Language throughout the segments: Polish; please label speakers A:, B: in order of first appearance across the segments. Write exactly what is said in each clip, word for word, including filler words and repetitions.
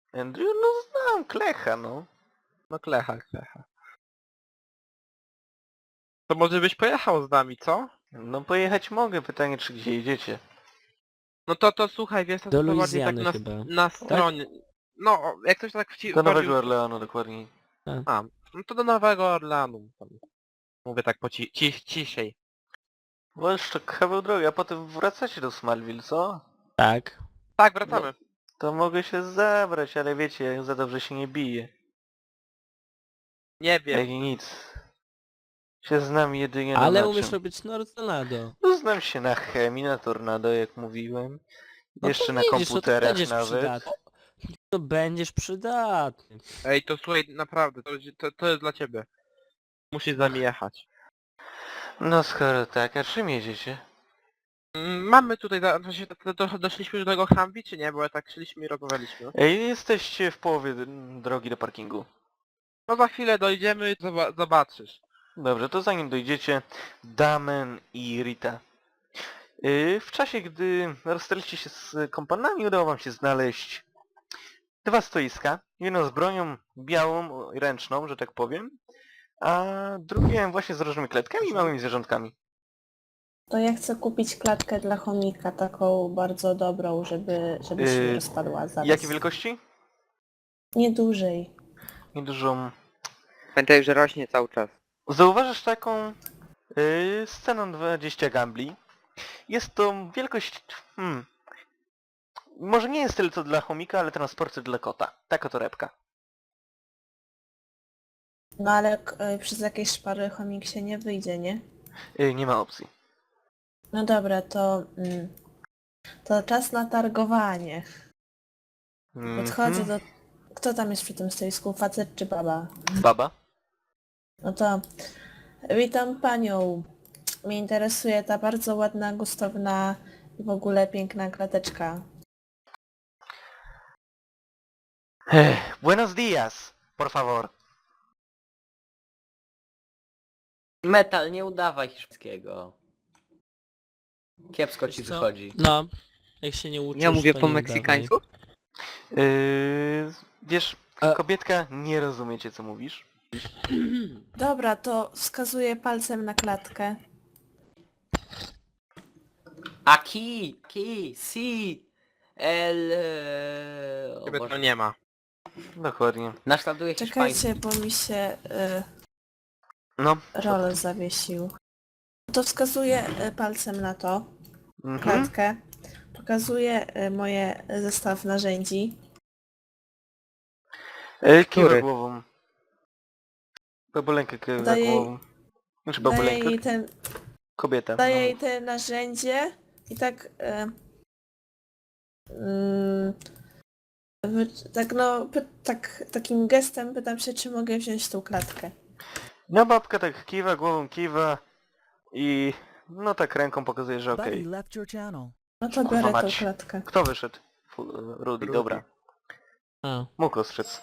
A: Andrew? No znam Klecha, no.
B: No klecha, klecha. To może byś pojechał z nami, co?
A: No pojechać mogę, pytanie czy gdzie jedziecie?
B: No to to słuchaj, wiesz to
C: Do
B: to bardziej tak
C: Luizjany
B: na,
C: chyba.
B: na stronie. No, jak coś tak wci...
A: Do
B: bardziej...
A: Nowego Orleanu dokładniej.
B: A, no to do Nowego Orleanu. Tam. Mówię tak po ci... ci... ciszej.
A: Bo jeszcze kawał drogi, a potem wracacie do Smallville, co?
C: Tak.
B: Tak, wracamy.
A: To mogę się zabrać, ale wiecie, ja za dobrze się nie biję.
B: Nie
A: Jak
B: wiem.
A: i nic. Się znam jedynie na
C: Ale
A: na
C: umiesz
A: czym.
C: robić Tornado.
A: No znam się na chemii, na tornado, jak mówiłem.
C: No
A: Jeszcze
C: to
A: na
C: widzisz, to
A: komputerach
C: będziesz
A: nawet.
C: przydatny. To będziesz przydatny.
B: Ej, to słuchaj, naprawdę, to, to, to jest dla ciebie. Musisz z nami jechać.
A: No skoro tak, a czym jedziecie?
B: Mm, Mamy tutaj, za- to się, to, to, doszliśmy już do tego Humvee, czy nie? Bo tak szliśmy i rozmawialiśmy.
A: Ej, jesteście w połowie d- drogi do parkingu.
B: No za chwilę dojdziemy, zoba zobaczysz.
A: Dobrze, to zanim dojdziecie, Damen i Rita. Yy, w czasie, gdy rozstaliście się z kompanami, udało wam się znaleźć dwa stoiska. Jedno z bronią białą, ręczną, że tak powiem, a drugie właśnie z różnymi klatkami i małymi zwierzątkami.
D: To ja chcę kupić klatkę dla chomika, taką bardzo dobrą, żeby, żeby się
A: Yy,
D: nie rozpadła zaraz.
A: Jakiej wielkości?
D: Nie dłużej.
A: Niedużą.
E: Pamiętaj, że rośnie cały czas.
A: Zauważysz taką yy, sceną dwadzieścia gambli. Jest to wielkość... Hmm, może nie jest tyle co dla chomika, ale transporter dla kota. Taka torebka.
D: No ale k- y, przez jakieś szpary chomik się nie wyjdzie, nie?
A: Yy, nie ma opcji.
D: No dobra, to... Mm, to czas na targowanie. Podchodzę
A: Mhm.
D: do... Kto tam jest przy tym stoisku? Facet czy baba?
A: Baba?
D: No to... Witam panią. Mnie interesuje ta bardzo ładna, gustowna i w ogóle piękna klateczka.
A: Ech, buenos días, por favor.
E: Metal, nie udawaj hiszpańskiego. Kiepsko ci
C: Wiesz co?
E: wychodzi.
C: No. Jak się nie uczysz,
E: Ja mówię
C: to
E: po
C: nie
E: meksykańsku?
A: Yy, wiesz,
C: E.
A: kobietka, nie rozumiecie co mówisz.
D: Dobra, to wskazuję palcem na klatkę.
E: Aquí, aquí, si. El... e, O
B: Ciebie to
E: Boże.
B: nie ma.
A: Dokładnie.
E: Naśladuje hiszpański.
D: Czekajcie, bo mi się y,
A: No.
D: rolę zawiesił. To wskazuję y, palcem na to,
A: Mhm.
D: klatkę. Pokazuję y, moje zestaw narzędzi.
A: Yy, kiwa
E: Który?
A: głową. Babulenkę kiwa
D: Daję jej-
A: głową. Znaczy
D: Daję
A: babulenkę?
D: jej, ten,
A: Kobieta.
D: daję
A: no.
D: jej te narzędzie i tak... Y, mm, wy- tak no, py, tak, takim gestem pytam się, czy mogę wziąć tą klatkę.
A: No babka tak kiwa, głową kiwa i no tak ręką pokazuje, że okej.
F: Buddy left your channel.
D: No to
A: Kurwa
D: biorę tą
A: mać.
D: klatkę.
A: Kto wyszedł? Fu- Rudy,
B: Rudy.
A: dobra.
C: A,
A: Mógł ostrzec.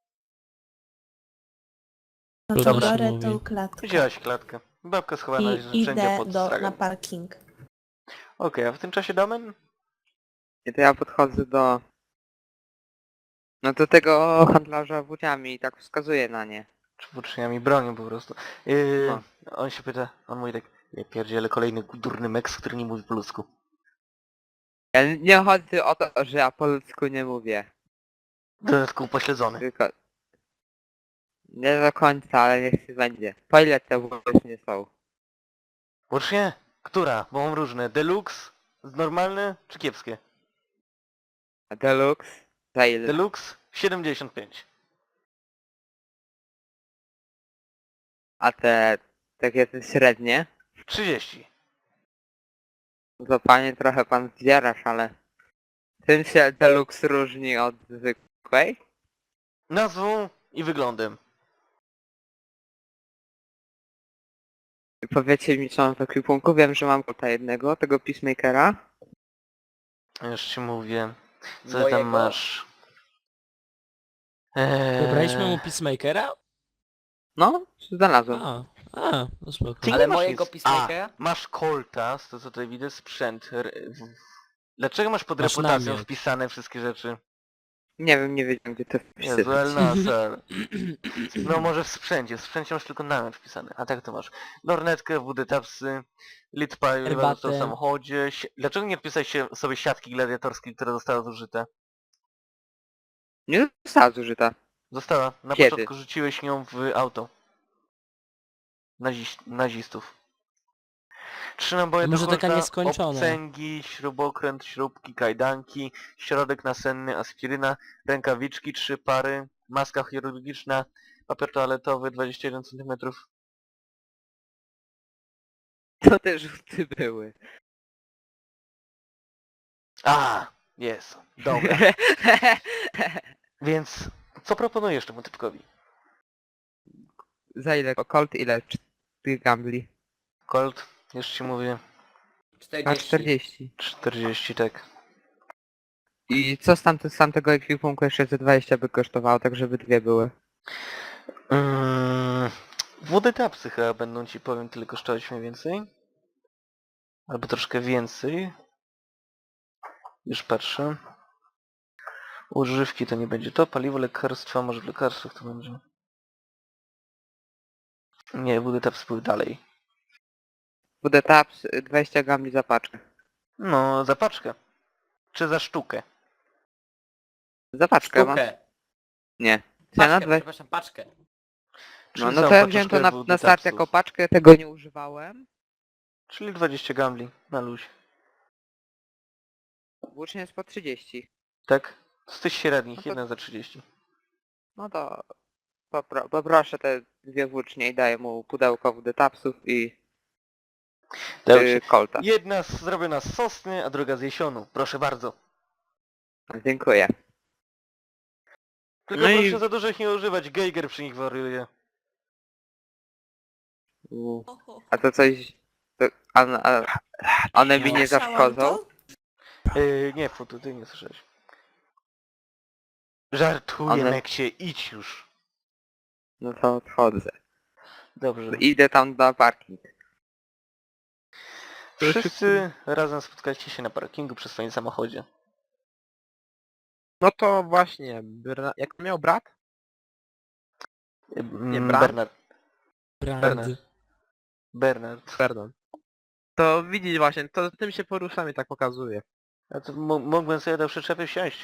D: No to
C: Trudno się
D: biorę
C: mówi.
D: tą klatkę.
A: Wzięłaś klatkę. Babka schowała
D: I
A: narzędzia
D: idę
A: pod
D: do,
A: stragą.
D: na parking.
A: Okej, a w tym czasie Damen?
E: I to ja podchodzę do... No do tego handlarza włóciami i tak wskazuję na nie.
A: Czy włóczniami bronią po prostu. Yy,
E: No.
A: On się pyta, on mówi tak, ja pierdzielę kolejny durny meks, który nie mówi po ludzku.
E: Ja nie chodzi o to, że ja po ludzku nie mówię.
A: W dodatku upośledzony.
E: Tylko... Nie do końca, ale niech się będzie. Po ile te włócznie są?
A: Włócznie? Która? Bo mam różne. Deluxe? Normalne? Czy kiepskie?
E: A Deluxe? Za ile?
A: Deluxe? siedemdziesiąt pięć.
E: A te... takie te średnie?
A: trzydzieści.
E: No to panie trochę pan zdzierasz, ale... Czym się Deluxe różni od zwykłej?
A: Nazwą i wyglądem.
E: I powiecie mi, co mam w ekwipunku? Wiem, że mam kota jednego, tego Peacemakera.
A: Już ci mówię. Co
E: Mojego?
A: tam masz? Eee...
C: Wybraliśmy mu Peacemakera?
E: No, znalazłem.
C: A, a, no spoko.
A: Ty
E: Ale
A: nie masz
E: mojego
A: nic.
E: Peacemakera?
A: A, masz Colta, z to co tutaj widzę, sprzęt. R- w- Dlaczego masz pod
C: Masz
A: reputacją
C: namiot.
A: wpisane wszystkie rzeczy?
E: Nie wiem, nie wiedziałem gdzie to
A: Jezu,
E: wpisać.
A: Elnasar. No może w sprzęcie, w sprzęcie masz tylko namiot wpisany, a tak to masz lornetkę, wódę tapsy, litpaj
C: Herbatę.
A: w samochodzie. Si- Dlaczego nie wpisałeś się sobie siatki gladiatorskie, która została zużyta?
E: Nie została zużyta.
A: Została. Na
E: Kiedy?
A: początku rzuciłeś nią w auto. Naziś, nazistów. Trzy naboje
C: Może
A: do
C: taka
A: Colta,
C: nieskończona.
A: obcęgi, śrubokręt, śrubki, kajdanki, środek nasenny, aspiryna, rękawiczki, trzy pary, maska chirurgiczna, papier toaletowy dwadzieścia jeden centymetrów.
E: To te rzuty były.
A: A, jest. Dobra. Więc co proponujesz temu typkowi?
E: Za ile? Colt ile? Cztery gambli.
A: Colt, już ci mówię,
E: A czterdzieści.
A: czterdzieści, tak.
E: I co z, tamte, z tamtego ekwipunku jeszcze ze dwadzieścia by kosztowało, tak żeby dwie były?
A: Mm, wody tapsy chyba będą ci, powiem, tyle kosztować mniej więcej. Albo troszkę więcej. Już patrzę. Używki to nie będzie to. Paliwo, lekarstwa, może w lekarstwach to będzie. Nie, wody tapsy były dalej.
E: Bude taps dwadzieścia gambli za paczkę.
A: No, za paczkę. Czy za sztukę?
E: Za paczkę masz?
F: Sztukę.
E: Nie. Cena
F: Paczkę,
E: dwa...
F: przepraszam, paczkę.
A: Czy
E: No, no
A: za
E: to ja wziąłem to
A: paczuszkę
E: na,
A: wody
E: na start
A: tapsów?
E: jako paczkę, tego nie używałem.
A: Czyli dwadzieścia gambli na luź.
E: Włócznie jest po trzydzieści.
A: Tak? Z tych średnich,
E: No to-
A: jedna za trzydzieści.
E: No to popro poproszę te dwie włócznie i daję mu pudełko wody tapsów i
A: Dobrze.
E: yy, kolta.
A: Jedna z- zrobiona z sosny, a druga z jesionu. Proszę bardzo.
E: Dziękuję.
A: Tylko
E: No i-
A: proszę za dużo ich nie używać, Geiger przy nich wariuje.
E: U. A to coś... To, a, a, one mi nie
D: Słyszałam
E: zaszkodzą?
D: to?
A: Yy, nie, Futu, ty nie słyszałeś. Żartuję,
E: One-
A: Meksie, idź już.
E: No to odchodzę.
A: Dobrze.
E: Idę tam na parking.
A: Wszyscy razem spotkaliście się na parkingu przy swoim samochodzie.
B: No to właśnie, Bra- jak to miał brat?
A: Yy,
B: Nie,
A: mm,
B: Bram?
A: Bernard.
C: Brand.
A: Bernard. Bernard.
B: Pardon. To widzisz właśnie, to tym się poruszamy, tak pokazuje.
A: A to mo- mógłbym sobie do przyczepy wsiąść.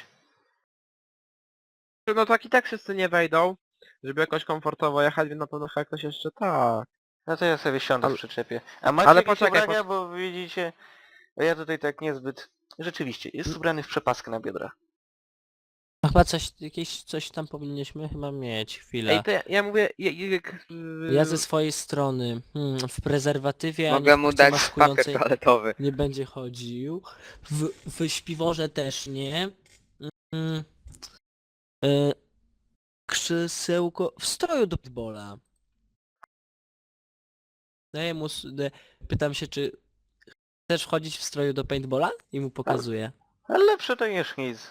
B: No tak i tak wszyscy nie wejdą, żeby jakoś komfortowo jechać, więc na pewno chyba ktoś jeszcze tak.
A: No to ja sobie siądę
B: Ale-
A: w przyczepie. A macie
B: ale
A: jakieś
B: poczekaj,
A: ubrania, bo widzicie... a ja tutaj tak niezbyt... Rzeczywiście, jest ubrany w przepaskę na biodrach.
C: A chyba coś, jakieś coś tam powinniśmy chyba mieć, chwilę.
B: Ej, to ja, ja mówię, je- jak...
C: Ja ze swojej strony, hmm, w prezerwatywie ani
E: Mogę
C: w
E: mu
C: kurtce
E: dać
C: maskującej
E: papier toaletowy.
C: nie będzie chodził. W, w śpiworze też nie. Mm, y, krzesełko w stroju do pitbola. Daję mu, s- de, pytam się, czy chcesz wchodzić w stroju do paintballa? I mu pokazuję.
A: Ale lepsze to niż nic.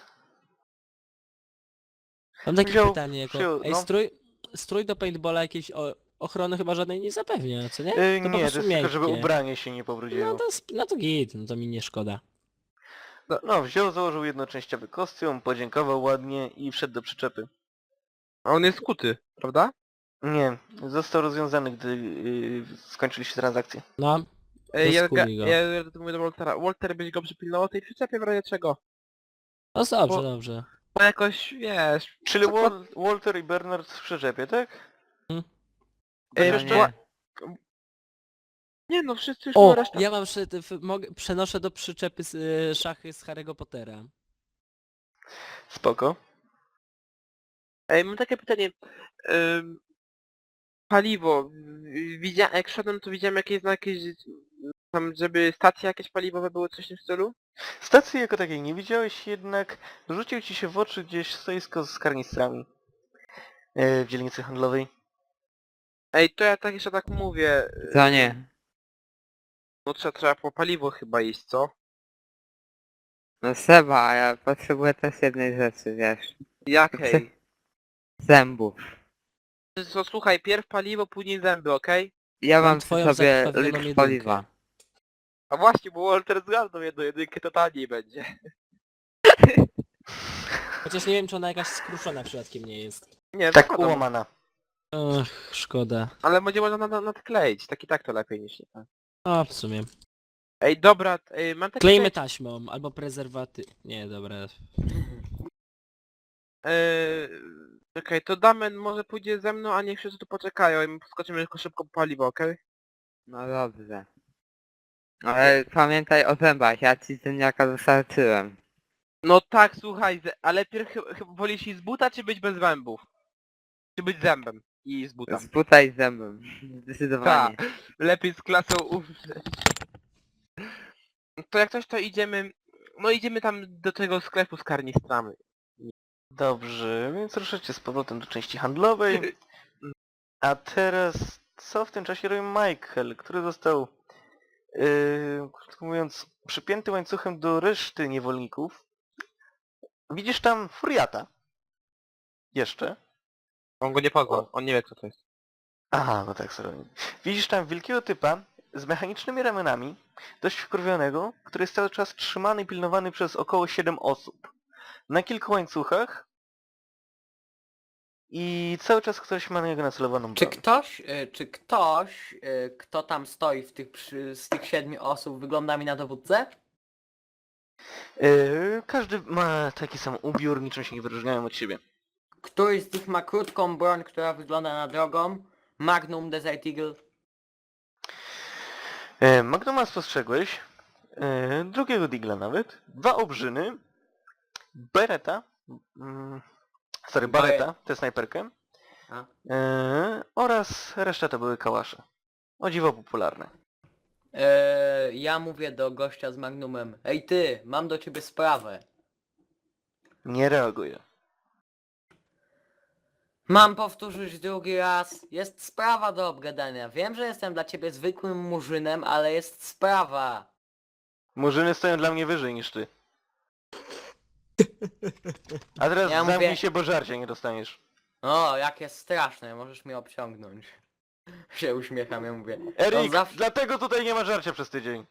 C: Mam takie
A: Wziął-
C: pytanie, jako,
A: wziął,
C: ej,
A: no.
C: strój, strój do paintballa jakiejś o, ochrony chyba żadnej nie zapewnia, co nie?
A: Yy,
C: po
A: nie, to
C: prostu
A: jest tylko, żeby
C: miękkie.
A: ubranie się nie pobrudziło.
C: No to, sp- no to git, no to mi nie szkoda.
A: No, wziął, założył jednoczęściowy kostium, podziękował ładnie i wszedł do przyczepy.
B: A on jest skuty, prawda?
A: Nie, został rozwiązany, gdy yy, skończyliście transakcję.
C: No,
B: Ej, ja,
C: Rozkuli
B: ja,
C: go.
B: ja mówię do Waltera, Walter byś go przypilnował tej przyczepie w razie czego?
C: no dobrze,
B: Bo-
C: dobrze.
B: Bo jakoś, wiesz...
A: Czyli
B: co-
A: Wal Walter i Bernard w przyczepie, tak?
C: Hmm.
B: Ej,
A: Chociaż
E: nie.
A: to...
B: Nie no, wszyscy już
C: O,
B: o, reszta...
C: ja mam, przy, w, mogę, przenoszę do przyczepy z, y, szachy z Harry'ego Pottera.
A: Spoko.
B: Ej, mam takie pytanie. Ym, paliwo. Widzia... Jak szedłem, to widziałem jakieś znaki, że- tam, żeby stacje jakieś paliwowe były, coś w tym stylu?
A: Stacji jako takiej nie widziałeś, jednak rzucił ci się w oczy gdzieś stoisko z karnistrami yy, w dzielnicy handlowej.
B: Ej, to ja tak jeszcze tak mówię.
E: Co nie?
B: No trzeba, trzeba po paliwo chyba iść, co?
E: No Seba, ja potrzebuję też jednej rzeczy, wiesz.
B: Jakiej?
E: Zębów.
B: To słuchaj, pierw paliwo, później zęby, okej?
E: Ja
C: Mam
E: mam przy
C: twoją
E: sobie
C: zakrwawioną
E: litr
C: jedynkę.
E: paliwa.
B: A właśnie, bo Walter zgarnął jedną jedynkę, to taniej będzie.
C: Chociaż nie wiem, czy ona jakaś skruszona przypadkiem nie jest.
B: Nie,
A: Tak
B: zakładam.
A: ułamana.
C: Ach, szkoda.
B: Ale będzie można nad- nadkleić, tak i tak to lepiej niż nie tak.
C: A, w sumie.
B: Ej, dobra, ej, mam takie
C: Klejmy
B: pytanie.
C: taśmą, albo prezerwaty... Nie, dobra.
B: Eee, Okej, to Damen może pójdzie ze mną, a niech wszyscy tu poczekają i my skoczymy tylko szybko po paliwo, okej?
E: No dobrze. Ale pamiętaj o zębach, ja ci ziemniaka dostarczyłem.
B: No tak, słuchaj, ze- ale pierw chy- chyba wolisz iść z buta, czy być bez zębów? Czy być zębem i z buta?
E: Z buta i zębem. Zdecydowanie.
B: Lepiej z klasą umrzeć. To jak coś, to idziemy... No idziemy tam do tego sklepu z karnistrami.
A: Dobrze, więc ruszycie z powrotem do części handlowej. A teraz co w tym czasie robi Michael, który został, yy, krótko mówiąc, przypięty łańcuchem do reszty niewolników. Widzisz tam Furiata. Jeszcze.
B: On go nie poznał, on nie wie kto to jest.
A: Aha, no tak, sorry. Widzisz tam wielkiego typa z mechanicznymi ramionami, dość wkurwionego, który jest cały czas trzymany i pilnowany przez około siedem osób. Na kilku łańcuchach i cały czas ktoś ma na niego nacelowaną
F: Czy
A: broń.
F: ktoś, y, czy ktoś, y, kto tam stoi w tych, przy, z tych siedmiu osób wygląda mi na dowódcę?
A: Yy, każdy ma taki sam ubiór, niczym się nie wyróżniają od siebie.
F: Któryś z nich ma krótką broń, która wygląda na drogą? Magnum, Desert Eagle?
A: E, Magnuma spostrzegłeś, e, drugiego digla nawet, dwa obrzyny, bereta, mm, sorry, bareta, tę snajperkę,
F: A.
A: e, oraz reszta to były kałasze. O dziwo popularne.
F: Eee, ja mówię do gościa z Magnumem. Ej ty, mam do ciebie sprawę.
A: Nie reaguje.
F: Mam powtórzyć drugi raz. Jest sprawa do obgadania. Wiem, że jestem dla ciebie zwykłym murzynem, ale jest sprawa.
A: Murzyny stoją dla mnie wyżej niż ty. A teraz
F: Ja
A: zamknij
F: mówię-
A: się, bo żarcia nie dostaniesz.
F: O, jakie straszne, możesz mnie obciągnąć. Się uśmiecham, ja mówię.
A: Erik,
F: On zawsze...
A: dlatego tutaj nie ma żarcia przez tydzień.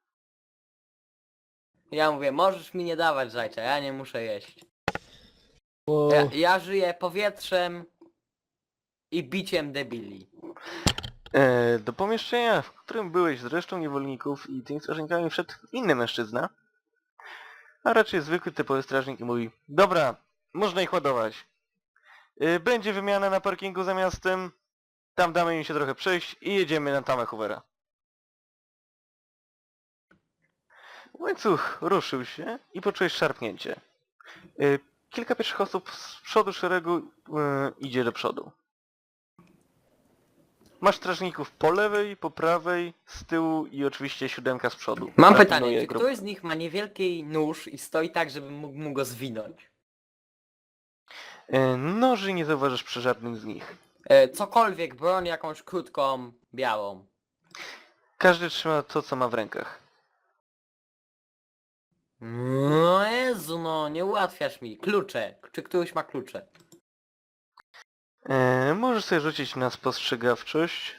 F: Ja mówię, możesz mi nie dawać żajcia, ja nie muszę jeść.
C: Bo...
F: Ja, ja żyję powietrzem i biciem debili.
A: E, do pomieszczenia, w którym byłeś z resztą niewolników i tymi strażnikami wszedł inny mężczyzna. A raczej zwykły typowy strażnik i mówi: dobra, można ich ładować. E, będzie wymiana na parkingu za miastem. Tam damy im się trochę przejść i jedziemy na tamę Hoovera. Łańcuch ruszył się i poczułeś szarpnięcie. E, kilka pierwszych osób z przodu szeregu e, idzie do przodu. Masz strażników po lewej, po prawej, z tyłu i oczywiście siódemka z przodu.
F: Mam
A: która
F: pytanie,
A: pilnuje
F: czy
A: grupy.
F: któryś z nich ma niewielki nóż i stoi tak, żebym mógł mu go zwinąć?
A: E, Noży nie zauważysz przy żadnym z nich.
F: E, cokolwiek, broń jakąś krótką, białą.
A: Każdy trzyma to, co ma w rękach.
F: No Jezu, no nie ułatwiasz mi. Klucze. Czy któryś ma klucze?
A: E, możesz sobie rzucić na spostrzegawczość.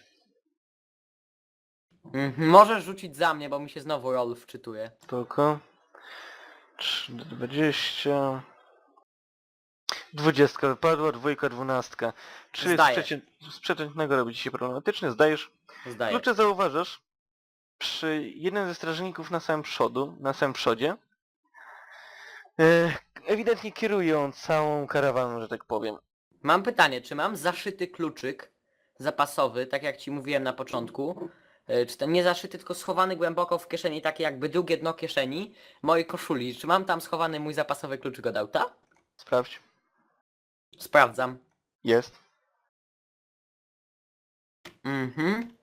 F: Mhm, możesz rzucić za mnie, bo mi się znowu roll wczytuje.
A: Spoko. trzy, dwadzieścia. Dwudziestka wypadła, dwójka, dwunastka. Czyli z,
F: Zdaję.
A: przecię... z przeciętnego robi ci się problematyczny, zdajesz.
F: Zdaję.
A: Klucze zauważasz przy jednym ze strażników na samym przodu, na samym przodzie. E, ewidentnie kierują całą karawaną, że tak powiem.
F: Mam pytanie, czy mam zaszyty kluczyk zapasowy, tak jak ci mówiłem na początku? E, Czy ten nie zaszyty, tylko schowany głęboko w kieszeni, takie jakby drugie dno kieszeni mojej koszuli. Czy mam tam schowany mój zapasowy kluczyk od auta?
A: Sprawdź.
F: Sprawdzam.
A: Jest.
F: Mhm.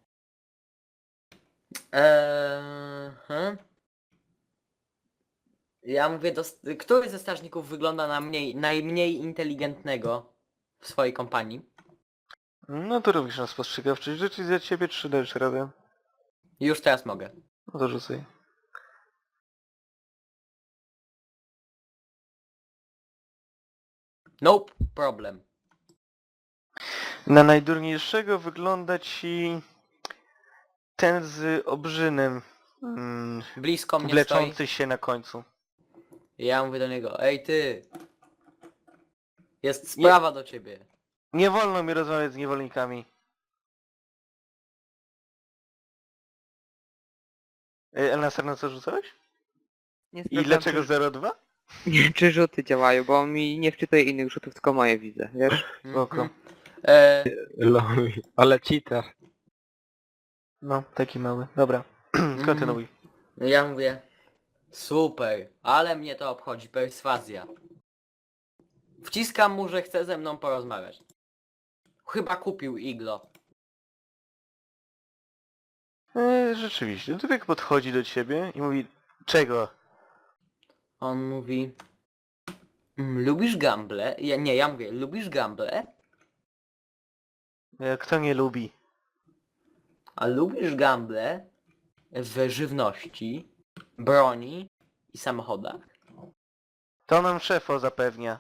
F: Eee, hmm. Ja mówię, do, który ze strażników wygląda na mniej, najmniej inteligentnego w swojej kompanii?
A: No to robisz na spostrzegawczość. Rzucić za ciebie, czy dajesz radę?
F: Już teraz mogę.
A: No to rzucaj.
F: Nope, problem.
A: Na najdurniejszego wygląda ci ten z obrzynem mm,
F: Blisko mnie
A: wleczący
F: stoi.
A: się na końcu.
F: Ja mówię do niego, ej ty, Jest sprawa do ciebie.
A: Nie wolno mi rozmawiać z niewolnikami. Ej, Elnaser, na co rzucałeś?
E: Nie
A: I
E: sprawdzam,
A: dlaczego
E: czy,
A: zero dwa?
E: nie, czy rzuty działają, bo on mi nie wczytuje innych rzutów, tylko moje widzę, wiesz?
A: Spoko.
F: Mhm. E,
G: Lol, ale cheater.
A: No, taki mały. Dobra. Kontynuuj.
F: no ja mówię, super, ale mnie to obchodzi, perswazja. Wciskam mu, że chce ze mną porozmawiać. Chyba kupił iglo.
A: E, rzeczywiście, Dubek podchodzi do ciebie i mówi, czego?
F: On mówi, "Mm, lubisz gamble? Ja, nie, ja mówię, lubisz gamble?
A: E, Kto nie lubi?
F: A lubisz gamble w żywności, broni i samochodach?
A: To nam szefo zapewnia.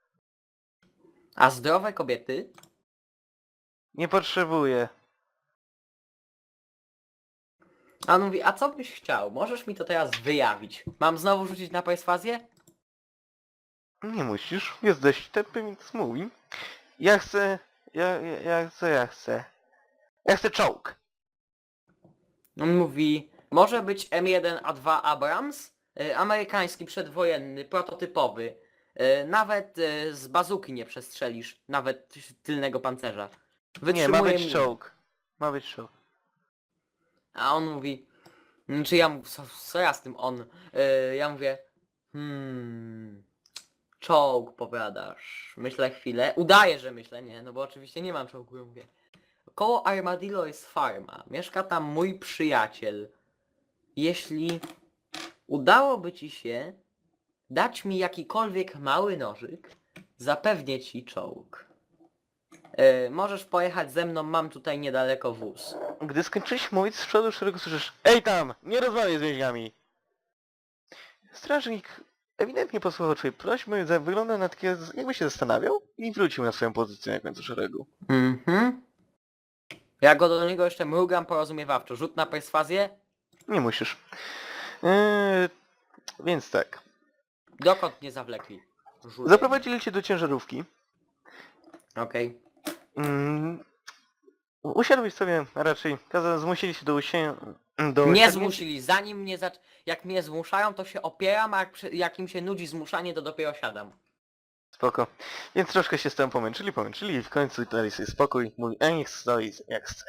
F: A zdrowe kobiety?
A: Nie potrzebuję.
F: A on mówi, a co byś chciał? Możesz mi to teraz wyjawić. Mam znowu rzucić na perswazję?
A: Nie musisz, jest dość tępy, więc mówi. Ja chcę... Ja, ja, ja chcę, ja chcę. Ja chcę czołg.
F: On mówi, może być M jeden A dwa Abrams, y, amerykański przedwojenny, prototypowy. Y, nawet y, z bazuki nie przestrzelisz, nawet tylnego pancerza.
A: Nie, ma
F: Wytrzymuje
A: być
F: minę.
A: czołg. Ma być czołg.
F: A on mówi, mm, czy ja mówię, co, co ja z tym on? Y, ja mówię, hmm, czołg powiadasz. Myślę chwilę, udaję, że myślę, nie, no bo oczywiście nie mam czołgu, ja mówię. Koło Armadillo jest farma, mieszka tam mój przyjaciel. Jeśli udałoby ci się dać mi jakikolwiek mały nożyk, zapewnię ci czołg. E, możesz pojechać ze mną, mam tutaj niedaleko wóz.
A: Gdy skończyłeś mówić, z przodu szeregu słyszysz, ej tam, nie rozmawiaj z więźniami. Strażnik ewidentnie posłuchał twojej prośby, za- wygląda na takie, jakby się zastanawiał i wrócił na swoją pozycję na końcu szeregu.
F: Mhm. Ja go do niego jeszcze mrugam porozumiewawczo. Rzut na perswazję?
A: Nie musisz. Eee, więc tak.
F: Dokąd nie zawlekli? Rzut.
A: Zaprowadzili cię do ciężarówki.
F: Okej.
A: Mm, usiadłeś sobie, a raczej kaza, zmusili się do usię... do
F: Nie
A: siadnięcia-
F: zmusili, zanim mnie zac... Jak mnie zmuszają, to się opieram, a jak, przy... jak im się nudzi zmuszanie, to dopiero siadam.
A: Spoko. Więc troszkę się z tym pomęczyli, pomęczyli i w końcu dali sobie spokój. Mówi, a niech stoi jak chce.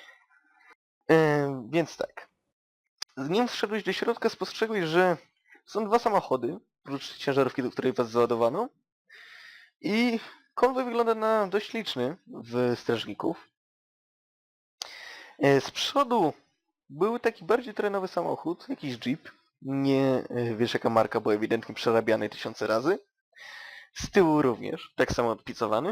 A: Eee, więc tak. Zanim wszedłeś do środka, spostrzegłeś, że są dwa samochody, oprócz ciężarówki, do której was załadowano. I konwoj wygląda na dość liczny w strażników. E, Z przodu był taki bardziej terenowy samochód, jakiś jeep. Nie e, wiesz jaka marka, bo ewidentnie przerabiany tysiące razy. Z tyłu również, tak samo odpicowany.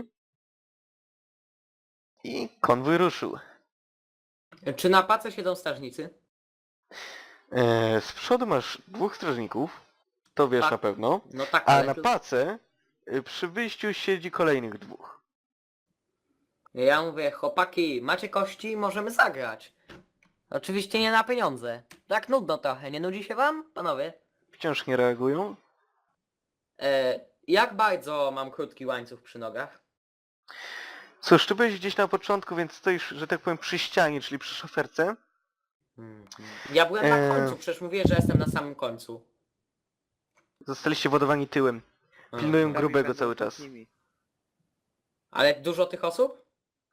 A: I konwój ruszył.
F: Czy na pace siedzą strażnicy?
A: E, z przodu masz dwóch strażników, to wiesz
F: Tak.
A: na pewno.
F: No tak,
A: A
F: ale
A: na
F: tu-
A: pace e, przy wyjściu siedzi kolejnych dwóch.
F: Ja mówię, chłopaki, macie kości? Możemy zagrać. Oczywiście nie na pieniądze. Tak nudno trochę, nie nudzi się wam, panowie?
A: Wciąż nie reagują.
F: E, jak bardzo mam krótki łańcuch przy nogach?
A: Cóż, ty byłeś gdzieś na początku, więc stoisz, że tak powiem, przy ścianie, czyli przy szoferce.
F: Mhm. Ja byłem na
A: E.
F: końcu, przecież mówię, że jestem na samym końcu.
A: Zostaliście wodowani tyłem.
F: A.
A: Pilnują
E: Prawie
A: grubego
E: będą
A: cały
E: przed
A: czas.
E: nimi.
F: Ale dużo tych osób?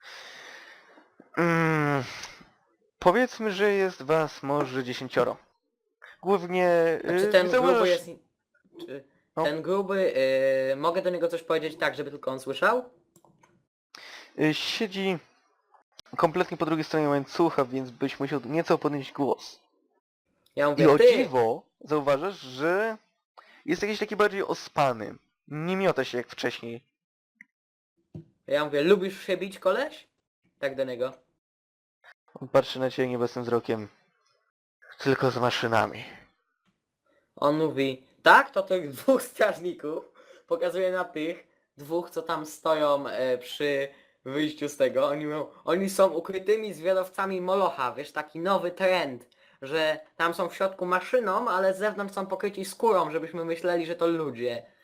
A: Mm, powiedzmy, że jest was może dziesięcioro. Głównie...
F: A czy
A: yy,
F: ten
A: zauważasz-
F: gruby jest... Czy
A: No.
F: ten gruby... Yy, mogę do niego coś powiedzieć tak, żeby tylko on słyszał?
A: yy, siedzi kompletnie po drugiej stronie łańcucha, więc byś musiał nieco podnieść głos.
F: Ja
A: I
F: mówię,
A: o
F: ty!
A: dziwo zauważasz, że jest jakiś taki bardziej ospany. Nie miota się jak wcześniej.
F: Ja mówię, lubisz się bić, koleś? Tak do niego.
A: On patrzy na ciebie nieobecnym wzrokiem. Tylko z maszynami.
F: On mówi, tak, to tych dwóch strażników pokazuje na tych dwóch, co tam stoją e, przy wyjściu z tego. Oni mówią, oni są ukrytymi zwiadowcami Molocha, wiesz, taki nowy trend, że tam są w środku maszyną, ale z zewnątrz są pokryci skórą, żebyśmy myśleli, że to ludzie.